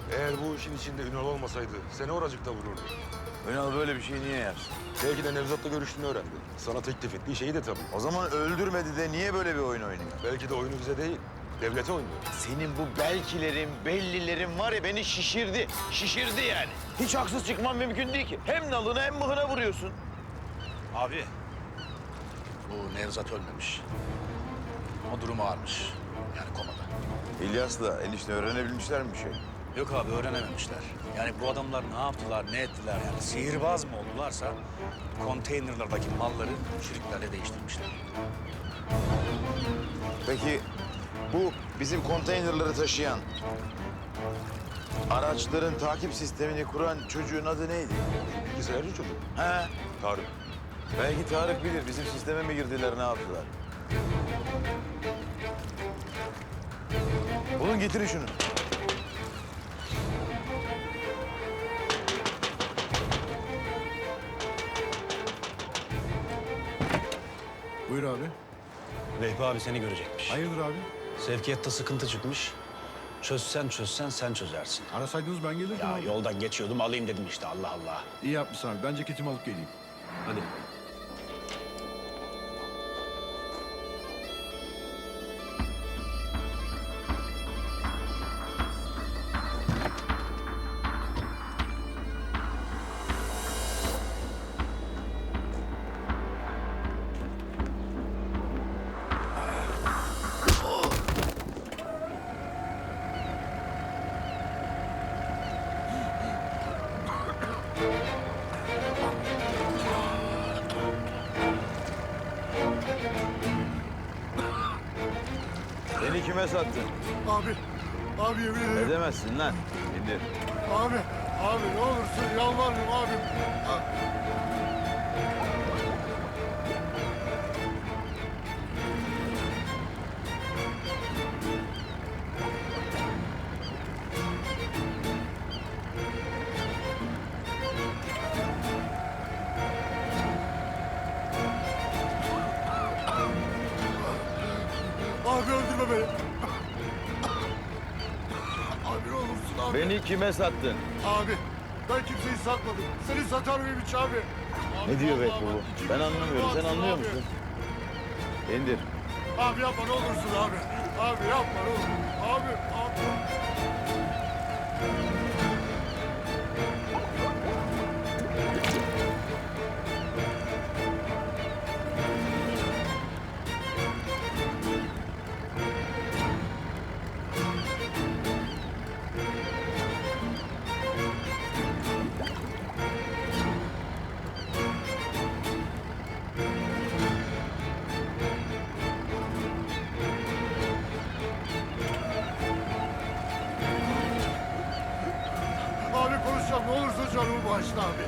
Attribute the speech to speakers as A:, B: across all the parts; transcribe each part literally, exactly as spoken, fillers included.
A: Eğer bu işin içinde Ünal olmasaydı seni oracıkta vururdu.
B: Ünal böyle bir şey niye yapsın?
A: Belki de Nevzat'la görüştüğünü öğrendi. Sana teklif ettiği şeyi de tabii.
B: O zaman öldürmedi de niye böyle bir oyun oynuyor?
A: Belki de oyunu bize değil, devlete oynuyor.
B: Senin bu belkilerin, bellilerin var ya beni şişirdi. Şişirdi yani. Hiç haksız çıkman mümkün değil ki. Hem nalına hem mıhına vuruyorsun.
C: Abi, bu Nevzat ölmemiş. O durumu ağırmış. Yani komada.
B: İlyas'la enişte öğrenebilmişler mi bir şey?
C: Yok abi, öğrenememişler. Yani bu adamlar ne yaptılar, ne ettiler yani? Sihirbaz mı oldularsa konteynerlardaki malları şirketlerle değiştirmişler.
B: Peki bu bizim konteynerları taşıyan, araçların takip sistemini kuran çocuğun adı neydi?
A: Bilgisayarcı çocuk.
B: He?
A: Tarık.
B: Belki Tarık bilir. Bizim sisteme mi girdiler, ne yaptılar? Bulun getirin şunu.
D: Buyur abi.
C: Vehbi abi seni görecekmiş.
D: Hayırdır abi?
C: Sevkiyatta sıkıntı çıkmış. Çözsen çözsen sen çözersin.
D: Arasaydınız ben gelirdim
C: Ya
D: abi.
C: yoldan geçiyordum, alayım dedim işte, Allah Allah.
D: İyi yapmışsın abi. Ben ceketimi alıp geleyim. Hadi.
B: Beni kime sattın?
E: Abi, abi yemin ederim.
B: Edemezsin lan. İndir.
E: Abi, abi ne olursun yalvarırım abi. A- Abi öldürme beni. Abi ne olursun abi.
B: Beni kime sattın?
E: Abi, ben kimseyi satmadım. Seni satar mıyım hiç abi? Abi,
B: Ne diyor
E: vallahi
B: be bu?
E: bak, iki
B: Ben
E: gün
B: anlamıyorum. Sen
E: rahatsın
B: anlıyor
E: abi.
B: musun? İndir.
E: Abi yapma ne olursun abi. Abi yapma ne olur. Abi, abi. Abi konuşacağım ne olursa canımı bağışla abi.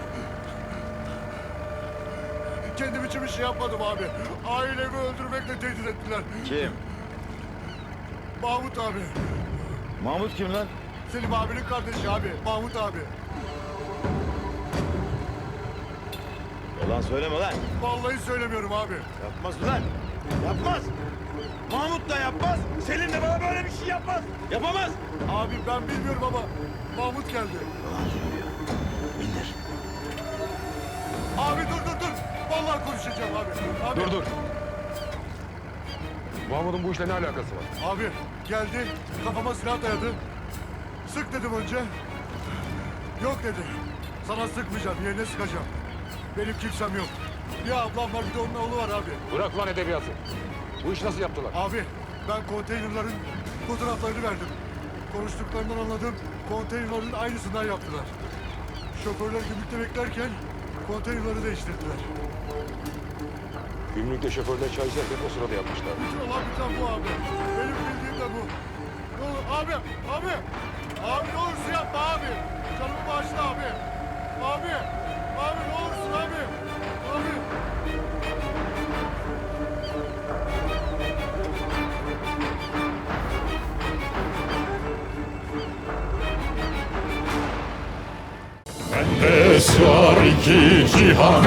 E: Kendim için bir şey yapmadım abi. Ailemi öldürmekle tehdit ettiler.
B: Kim?
E: Mahmut abi.
B: Mahmut kim lan?
E: Selim abinin kardeşi abi. Mahmut abi.
B: Yalan söyleme lan.
E: Vallahi söylemiyorum abi.
B: Yapmaz lan. Yapmaz. Mahmut da yapmaz. Selim de bana böyle bir şey yapmaz. Yapamaz.
E: Abi ben bilmiyorum ama Mahmut geldi.
B: Yalan söylüyor. İndir.
E: Abi dur dur dur. Vallahi konuşacağım abi. Abi.
A: Dur dur. Mahmut'un bu işle ne alakası var?
E: Abi geldi kafama silah dayadı. Sık dedim önce. Yok dedi. Sana sıkmayacağım yerine sıkacağım. Benim kimsem yok. Bir ablam var bir de onun oğlu var abi.
A: Bırak lan edebiyatı. Bu işi nasıl yaptılar?
E: Abi ben konteynerların fotoğraflarını verdim. Konuştuklarından anladım. Konteynerların aynısından yaptılar. Şoförler gümrükte beklerken konteynerları değiştirdiler.
A: Gümrükte şoförler çay içerken o sırada yapmışlar.
E: Bütün olan biten bu abi. Benim bildiğim de bu. Ne olur abi, abi. Abi ne olursun yapma abi. Canımı bağışla abi. Abi, abi ne olursun abi. Abi.
F: Bende sığar iki cihan,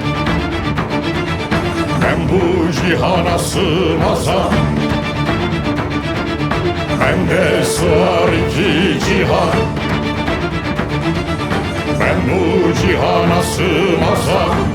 F: ben bu cihana sığmazam. Bende sığar iki cihan, cihana sığmaz ah.